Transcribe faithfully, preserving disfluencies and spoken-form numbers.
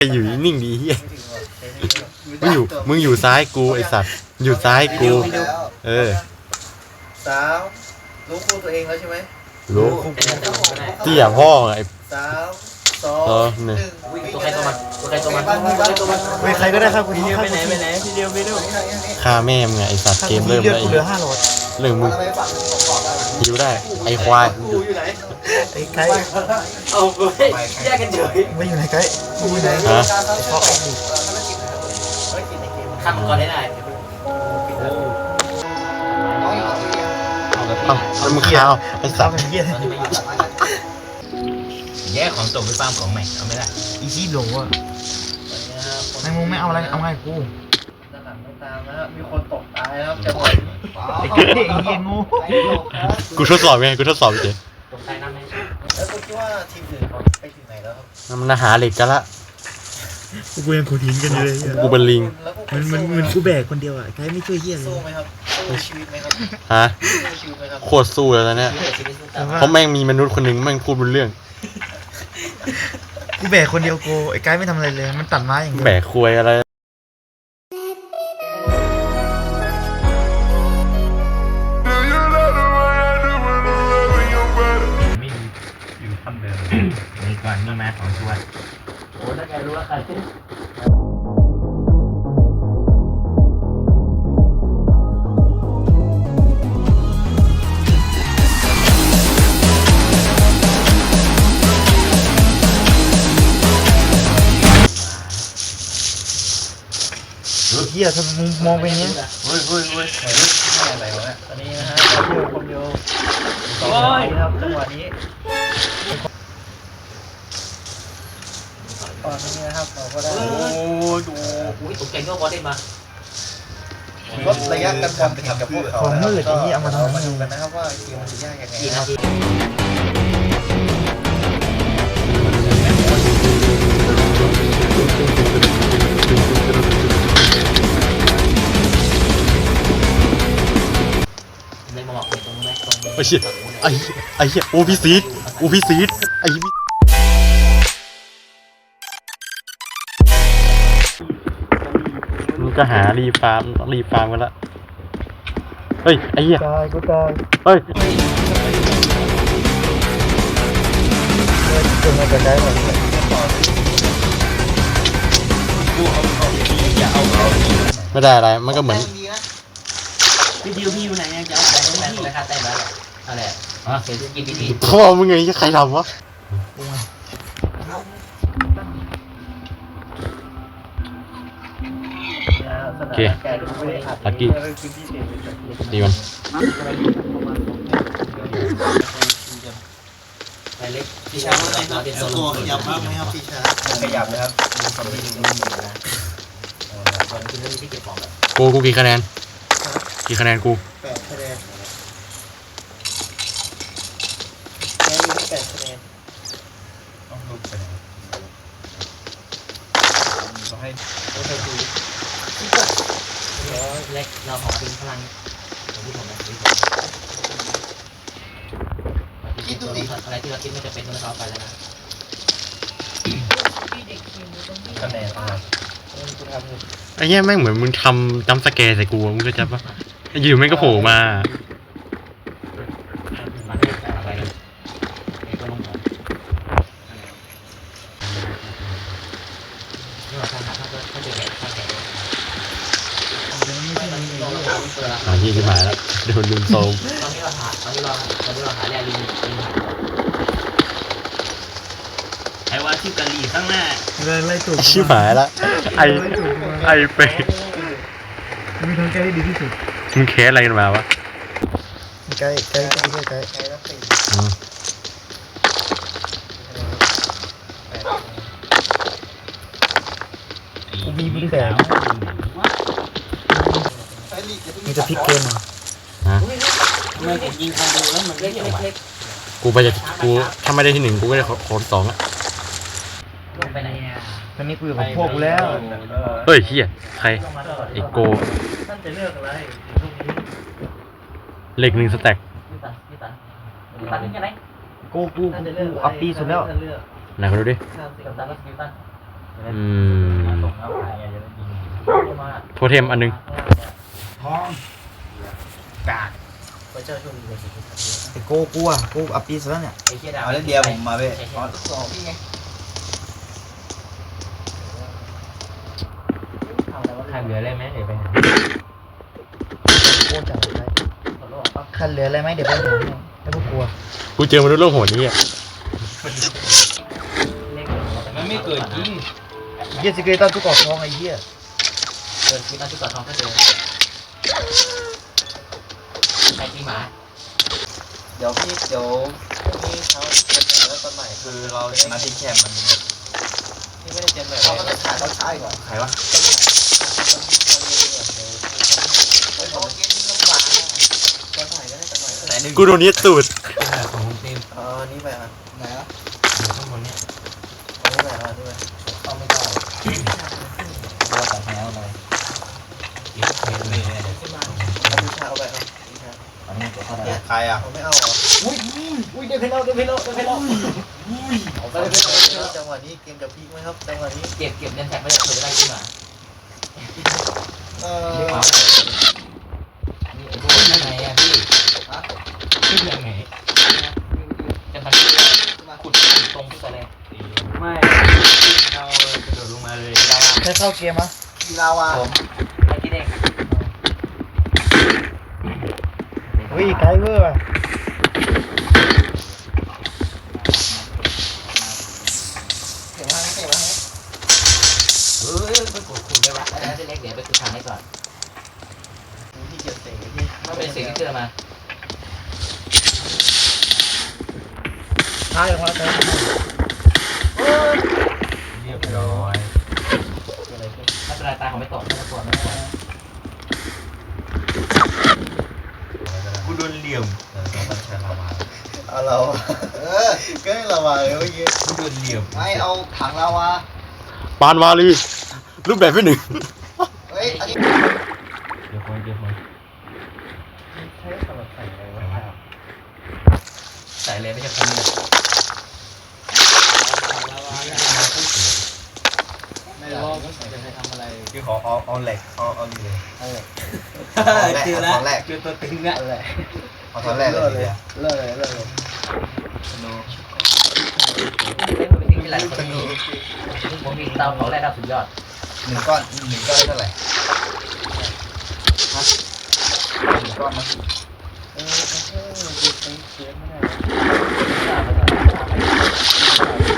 อยู่นิ่งดีเฮียมึงอยู่มึงอยู่ซ้ายกูไอสัตว์อยู่ซ้ายกูเออสามรู้คู่ตัวเองแล้วใช่ไหมรู้เตี้ยพ่อไอสามสองหนึ่งตัวใครตัวมันตัวใครตัวมันตัวใครตัวมันไม่ใครก็ได้ครับคุณทีไปไหนไปไหนทีเดียวไปดูฆ่าแม่มึงไงไอสัตว์เกมเริ่มแล้วเหลือห้าโหลดเรื่องมึงยิวได้ไอควายไอ้ไก่เอาไปแยกกันเฉยไม่อยู่ไหนไก่กูอยู่ไหนฮะข้ามก่อนได้ได้เอาเอามึงข้าวไอสัตว์แยกของตกไปฟาร์มของใหม่เอาไม่ได้อีซี่โหลอ่ะไอ้มึงไม่เอาอะไรเอาไงกูด้านหลังไม่ตามนะครับมีคนตกตายนะครับจะหมดไอ้เก๋ไอ้เหี้ยงูกูทดสอบไงกูทดสอบเฉยตกใจน้ำไหมแล้วคุณคิดว่าทีมอื่นเขาไปถึงไหนแล้วครับมันหาเหล็กกันละกูยังขุดหินกันเลยกูเป็นลิงมันมันมันกูแบกคนเดียวอ่ะไก่ไม่ช่วยเหี้ยเลยสู้ไหมครับสู้ชีวิตไหมครับฮะสู้ชีวิตไหมครับโคตรสู้แล้วเนี่ยเพราะแม่งมีมนุษย์คนหนึ่งแม่งพูดบนเรื่องกูแบกคนเดียวกูไอ้ไก่ไม่ทำอะไรเลยมันตัดไม้อย่างเดียวแบกควยอะไรนี่ก่อนนี่มาของชวนโอ้ถ้าแกรู้ว่าใครเฮียถ้ามึงมองไปเนี้ยเฮ้ยเฮ้ยเฮ้ยอะไรวะเนี่ยตอนนี้นะฮะเราอยู่คนเดียวสองคนครับจังหวะนี้ตอนนี้นะครับเราก็ได้โอ้ดูอุ้ยตกใจก็บอลได้มาลดระยะการบอลไปกับพวกเขาแล้วก็เรามาดูกันนะครับว่าเกมมันจะยากยังไงครับไอ้เหี้ยไอ้ไอ้เหี้ยโอพิซีดโอพิซีดไอ้มันก็หารีฟาร์มรีฟาร์มกันละเฮ้ยไอ้เหี้ยตายกูตายเฮ้ยจนมาจะได้หมดไม่ได้อะไรมันก็เหมือนพี่ดิวพี่อยู่ไหนจะเอาไปตรงไหนเลยค่ะแต่แล้วอะไรอ๋อเสียงกินดีพ่อมึงไงใครทำวะโอเคลักกี้ดีมันไปเล็กพี่ช้างว่าไงครับเป็นตัวขยับบ้างไหมครับพี่ช้างขยับนะครับดูสมิธดูสมิธนะตอนที่เรื่องที่เก็บของแบบกูกูกี่คะแนนกี่คะแนนกูแปดคะแนนแค่นี้แปดคะแนนต้องลุกไปไหนเราให้เราให้ดูเล็กเราขอทิ้งพลังของที่ผมนะคิดดูดิอะไรที่เราคิดไม่จะเป็นต้องเอาไปแล้วนะคะแนนอะไรไอ้เหี้ยแม่งเหมือนมึงทำจัมป์สแกร์ใส่กูมึงก็จะปะอยู่แม่งก็โผล่มาหาที่ขึ้นมาแล้วโดนลุมโซมตอนนี้เราหาตอนนี้เราตอนนี้เราหาแร่ลิงไอ้ว่าชื่อกะหรี่ข้างหน้าเลยไล่ถูกชิบหายละไอไอเป๊กมึงทำใกล้ได้ดีที่สุดมึงแคสอะไรกันมาวะใกล้ใกล้ใกล้ใกล้ใกล้กูมีมือแสงมันจะพลิกเกมอ่ะฮะทำไมผมยิงคอนดูแล้วมันเล็กเล็กกูไปจะกูถ้าไม่ได้ที่หนึ่งกูก็ได้โคนสองอ่ะไปไหนอ่ะตอนนี้กูอยู่กับพวกกูแล้วเฮ้ยเฮียใครไอโกท่านจะเลือกอะไรเหล็กหนึ่งสแต็กกูกูกูอัพปีสุดแล้วไหนเขาดูดิอืมโทเทมอันนึงท้องกากพระเจ้าช่วยมีสิ่งที่ทำดีไอ้โก้กูอ่ะกูอัปปีซะแล้วเนี่ยไอ้เชี่ยดาวเอาเล่นเดียวผมมาเว้ยอ๋อสองพี่ไงใครเหลืออะไรไหมเดี๋ยวไปหาโก้จับไว้คันเหลืออะไรไหมเดี๋ยวไปหาให้ไม่ต้องกลัวกูเจอมนุษย์โลกโหดนี้อ่ะมันไม่เกิดจริงเยี่ยสิเกรตันทุกกอกทองไอ้เหี้ยเกิดที่ตอนที่ก่อนทองก็เจอใครที่หมาเดี๋ยวพี่เดี๋ยวพรุ่งนี้เช้าเจอกันแล้วตอนใหม่คือเราชนะที่แคมป์มันที่ไม่ได้เจอแบบเราก็จะถ่ายตอนเช้าก่อนใครวะไหนหนึ่งกูโดนยึดตูดของคุณเต็มอ๋อนี่ไปอ่ะไหนอ่ะอยู่ข้างบนเนี่ยอันนี้ไปอ่ะนี่ไปต้องไม่ต้องเราแต่แถวเลยเก็บเงินเลยเอาวิชาเอาไปเอาวิชาอันนี้ตัวเขาได้ใครอ่ะเขาไม่เอาเหรออุ้ยอุ้ยเดินไปแล้วเดินไปแล้วเดินไปแล้วเอาไปเลยจังหวะนี้เกมจะพีคไหมครับจังหวะนี้เก็บเก็บเงินแท็กไม่ได้เผื่อจะได้ขึ้นมาเอเรียกอมานี่ไอ้พวกยังไงอ่ะพี่ขึ้นยังไงจะทำขุดตรงขึ้นไปเลยไม่เรากระโดดลงมาเลยดาวแค่เข้าเกมอ่ะกีฬาวาผมไอ้ที่เด็กเฮ้ยไกลเวอร์อ่ะเก็บมาเก็บมาให้เฮ้ยไปขุดขุดไปวะไอ้ที่เล็กเดี๋ยวไปขุดทางให้ก่อนที่เกียรติที่มันเป็นสิ่งที่เจอมาท้ายออกมาแต่เรียบร้อยอะไรขึ้นถ้าเป็นรายตาของไม่ตกไม่ต้องกลัวไม่ต้องกลัวกูโดนเหลี่ยมเออเราบัญชาลาวาเอาเราเออก็ให้ลาวาเลยเมื่อกี้กูโดนเหลี่ยมไม่เอาถังลาวาปานวาลีรูปแบบที่หนึ่งเฮ้ยอันนี้เดี๋ยวคนเดี๋ยวคนใช้สำหรับใส่อะไรวะใส่เลยไม่ใช่คนนี้ไม่รู้จะให้ทำอะไรคือขอเอาเอาเหล็กเอาเอาเหล็กเอาเหล็กเจอแล้วแรกเจอตัวตึงแล้วเอาตอนแรกเลยเลยเลิกเลยเลิกเลยโนเป็นหลายคนนี้ผมมีเตาเผาแร่ดาวสุดยอดหนึ่งก้อนหนึ่งก้อนได้เท่าไหร่ฮะหนึ่งก้อนมั้ยเออเออดูเป็นเสียงไม่ได้